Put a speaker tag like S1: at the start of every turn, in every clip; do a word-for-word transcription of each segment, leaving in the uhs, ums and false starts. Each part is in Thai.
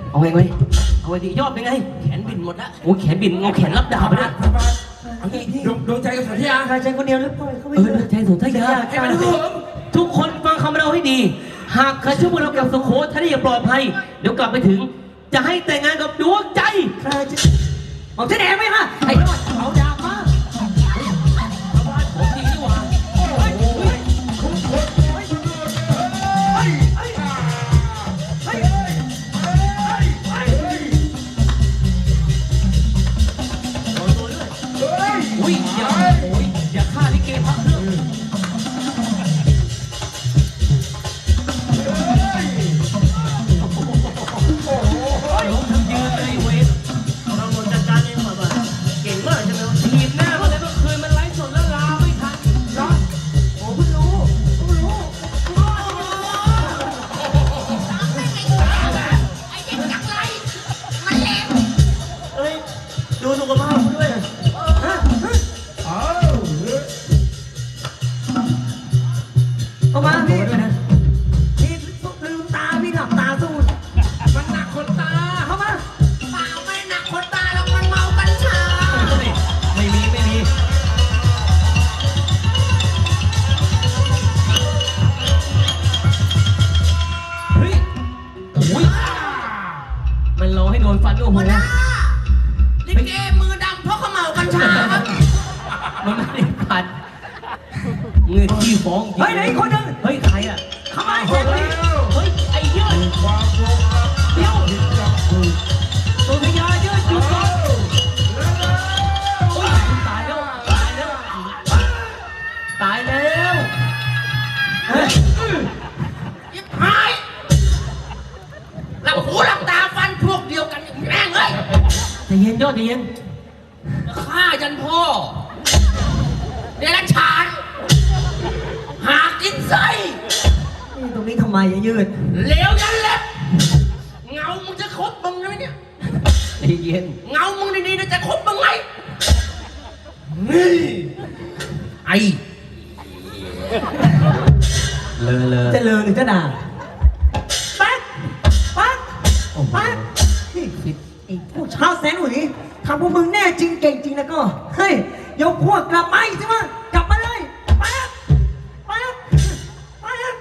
S1: เอาไงไว้เอาไงดียอดเป็นไงแขนบินหมดละโอ้แขนบินเอาแขนรับดาบไปด้วย
S2: ดวงใจกับสนธยา
S3: ใครใจคนเดียวหรือเปล่าเขาไม่
S1: เออใจสนทยาทุกคนฟังคำเราให้ดีหากใครช่วยพวกเรากับสุโขทัยได้อย่างปลอดภัยเดี๋ยวกลับไปถึงจะให้แต่งงานกับดวงใจ
S3: ใครจะบอกเจ๊แดงไหมฮะไอ้ยอดเอาดาบมา
S1: ผมดีดีกว่าอุ้ยอย่าโอ้ยอย่าฆ่าลิเกพักเรื่องล้มทั้งยืนเลยเวทเราหมดจัดการเองมาบ้างเก่งมากใช่ไหมทีมหน้ามาเลยเมื่อคืนมันไลฟ์สดแล้วลาไม่ทันร้อนโอ้เพิ่งรู้เพิ่งรู้
S4: ไอ้เด็กจักไรมันแหลม
S1: เอ้ยดูสุขภาพคุณด้วย
S3: เอามาพี่พี่ลืมตาพี่หลับตาสู้
S2: มันหนักคนตา
S3: เข้ามา
S4: เปล่าไม่หนักคนตาแล้วมันเมากัญชา
S1: ไม่มีไม่มีเฮ้ยโอ้ยมันรอให้โดนฟันด้วยโอ้โห
S4: ลิเกมือดำเพราะเขาเมากัญชาครับ
S1: มันไม่ได้ฟันเงินที่ฟ้องจริง
S3: เฮ้ยไหนคนนึง
S1: เฮ้ยใครอ่ะ
S3: เข้ามา
S1: เฮ้
S3: เจ๊
S1: ยเฮ้ยไอ้ยืดเดี๋ยวตัวพญายืดอยู่ก่อนโอ้ยตายแล้วตายแล้วตายแล้วเฮ้ย
S4: ยิบหายหลับหูหลับตาฟันพวกเดียวกันแม่งเอ้ย
S1: ใจเย็นยอดใจเย็น
S4: ฆ่ายันพ่อเดรัจฉานหากินไส้
S3: ตรงนี้ทำไมอย่ายืด
S4: เหลวยันเล็บเงามึงจะคบมึงไหมเนี่ย
S1: ใจเย็น
S4: เงามึงดีๆจะคบมึงไหมนี่ไอ
S1: เลอะเลอะ
S3: จะเลอหรือจะด่าปั๊กปั๊ก
S1: โอ้โห
S3: ปั๊กไอ้พวกชาวแสนหวีทำพวกมึงแน่จริงเก่งจริงแล้วก็เฮ้ยยกพวกกลับมาอีกใช่ไหมกลับมาเลยปั๊กปั๊กปั๊ก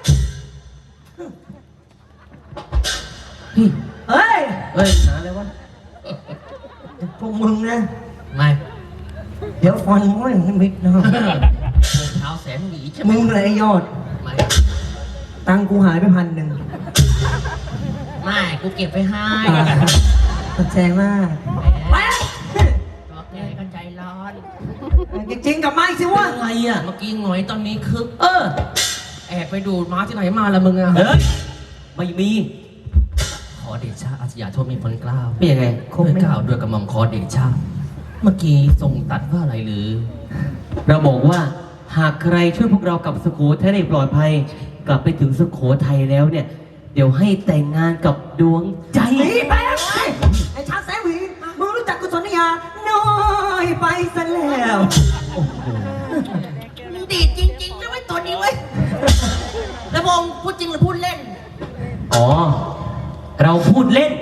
S3: เฮ้ย
S1: เฮ้ยหาอะไรวะ
S3: พวกมึงนะ
S4: ไม่
S3: เดี๋ยวฟันม้อยให้มิดนะ
S4: เท้าแสนหวีใช่ไหม
S3: มึงเลยไอ้ยอด
S4: ไม่
S3: ตังค์กูหายไปพันหนึ่ง
S4: ไม่กูเก็บไปให้
S3: ขอบใจมาก
S4: แหมบอกแกก็ใจร้อน
S3: จริงๆกับไม้สิวะ
S1: อะไรอ่ะ
S4: เมื่อกี้หงอยตอนนี้คึก
S1: เออ
S4: แอบไปดูดม้าที่ไหนมาละมึงอะ
S1: เฮ้ยไม่มี
S4: ขอเดชะอาสยามโทษมีพลเกล้า
S1: เป็นยังไง
S4: คงไม่กล่าวด้วยกระหม่อมขอเดชะเมื่อกี้ทรงตัดว่าอะไรหรือ
S1: เราบอกว่าหากใครช่วยพวกเรากับสุโขทัยได้ปลอดภัย กลับไปถึงสุโขทัยแล้วเนี่ย เดี๋ยวให้แต่งงานกับดวงใจ
S3: หนีไปแล้วไอ้ไอ้ชาแสนหวีมึงรู้จักกุศลยาน้อยไปซะแล้ว
S1: โอ้โห
S4: มันดีจริงๆนะไว้ตัวนี้เว้ยแล้วพงพูดจริงหรือพูดเล่น
S1: อ๋อ เราพูดเล่น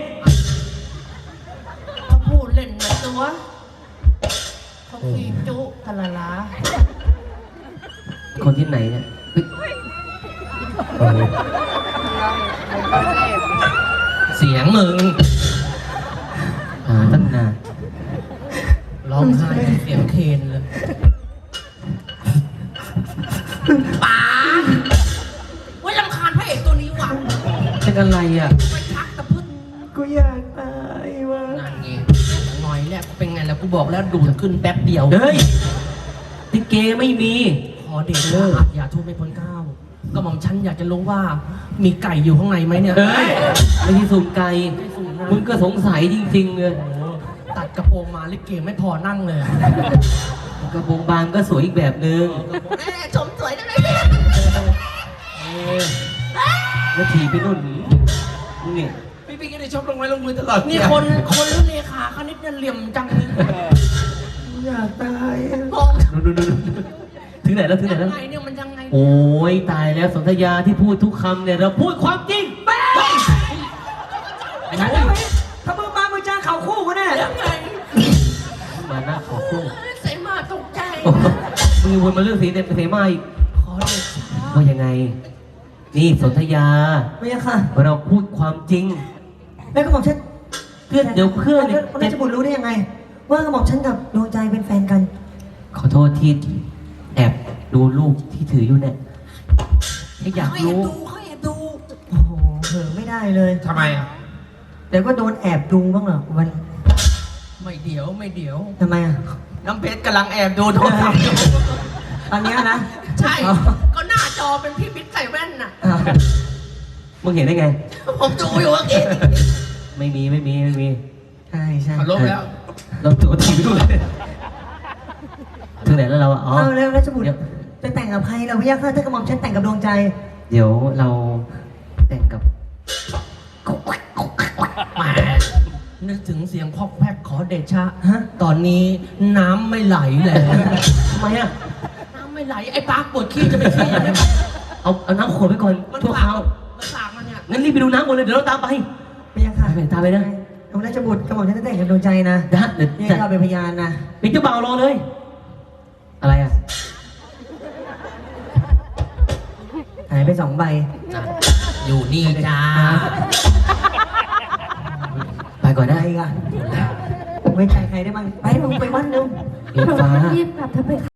S4: เขาพูดเล่นนะตัวเขาขีจุทะละลา
S1: คนที่ไหนเนี่ยเฮ้ย
S4: เสียงมึง
S1: หาตั้งนาน
S4: ร้องไห้เสียงเคนเลยป๋าไว้รำคาญพระเอกตัวนี้ว่ะ
S1: เป็นอะไรอ่ะ
S4: ไปชักตะพึ่ง
S3: กูอยากตายวะ
S4: นั่นไงหน่อยแหละเป็นไงแล้วกูบอกแล้วดูดขึ้นแป๊บเดียว
S1: เฮ้ยติเกไม่มี
S4: ขอเดชะอย่าโทษไม่พ้นเก้าก็หม่อมฉันอยากจะรู้ว่ามีไก่อยู่ข้างในไหมเนี่ย
S1: เฮ้ย ไม่ใช่สุ่มไก่
S4: ไม่สุ่มนะ
S1: มึงก็สงสัยจริงๆเลย
S4: โอ้โหตัดกระโปรงมาลิเกไม่พอนั่งเลย
S1: กระโปรงบานก็สวยอีกแบบนึง
S4: แม่ชมสวยจังเลยเนี่ย
S1: เออแล้วถีบไปนู่นมึงเนี่ย
S2: พี่พี่ก็ได้ชอบลงไม้ลงมือตลอด
S4: นี่คนคนรุ่นเลขาคณิตเนี่ยเหลี่ยมจังเลย
S3: อยากตาย
S4: มอง
S1: ดูดูดูถึงไหนแล้วถึงไหน
S4: ยั
S1: แล้ว
S4: งไงเนี่ยมันยังไง
S1: โอ้ยตายแล้วสนธยาที่พูดทุกคำเนี่ยเราพูดความจริงแป๊ะไอ้
S3: ฉันจะไม่ถ้ามึงมามึงเจอเขาคู่กันแน่
S4: ยังไง
S1: มาหน้าขอคู่
S4: ใส่มาตกใจ
S1: มึงวนมาเรื่องสีเด็ดเสมาอีก
S4: ขอเดชะ
S1: ว่ายังไง นี่สนธยา
S3: ไม่ใช่ค่ะ
S1: เราพูดความจริง
S3: แล้วก็บอกฉัน
S1: เพื่อนเดี๋ยวเพื่อนเนี่ย
S3: ราชบุตรรู้ได้ยังไง ว่ากระบอกฉันกับดวงใจเป็นแฟนกัน
S1: ขอโทษที่แอบดูรูปที่ถืออยู่เนี่ยแค่อยาก
S4: เขาแอบ
S1: รู้
S4: ดูเขาแอบดู
S3: โอ้โหเผลอไม่ได้เลย
S2: ทำไมอ่ะ
S3: เดี๋ยวก็โดนแอบดูบ้างเหรอวัน
S4: ไม่เดี๋ยวไม่เดี๋ยว
S3: ทำไมอ่ะ
S4: น้ำเพชรกำลังแอบดูโทรศัพท์อยู่
S3: ตอนเนี้ยนะ
S4: ใช่
S3: อ๋อ
S4: ก็หน้าจอเป็นพี่บิ๊กใส่แว่นน่ะ
S3: อ่า
S1: มึงเห็นได้ไง
S4: ผมดูอยู่เมื่อกี้
S1: ไม่มีไม่มีไม่มี
S3: ใช่ใช่
S2: ขอลบแล้ว
S1: เราตัวทีไปด้วยถึงไหนแล้วเราอะอ๋อ
S3: เอาแล้วราชบุตร
S1: เดี๋ยว
S3: จะแต่งกับใครเราพี่ยักษ์ถ้ากระหม่อมฉันแต่งกับดวงใจ
S1: เดี๋ยวเราแต่งกับ
S4: แหมนึกถึงเสียงพอกแพกขอเดชะ
S3: ฮะ
S4: ตอนนี้น้ำไม่ไหลแล้ว
S1: ทำไมอะ
S4: น้ำไม่ไหล ไอ้ปากปวดขี้จะไปขี้ยังไง
S1: เอาเอาน้ำขวดไปก่อน
S4: มัน
S1: ทั่ว
S4: ฝา
S1: ค
S4: ก
S1: ราว
S4: มันฝากมาเนี่ย
S1: งั้นรีบไปดูน้ำหมดเลยเดี๋ยวเราตามไป
S3: พี่ยักษ์ค่ะ
S1: ไปตามไปนะ
S3: เอาราชบุตรกระหม่อมฉันจะแต่งกับดวงใจนะ
S1: นะเดี๋ยว
S3: นี่
S1: จะ
S3: ก็เป็นพยานนะ
S1: เป็นเจ้าบ่าวรอเลย อะไรอะ
S3: หายไปสองใบ
S4: อยู่นี่จ้า
S1: ไปก่อน
S3: ได้
S1: นะ
S3: อีกอ่ะไว้ใจใครได้บ้างไปมึงไปบ้านเร็ว
S1: เอ็ฟ้า
S5: รีบกลับเธอไป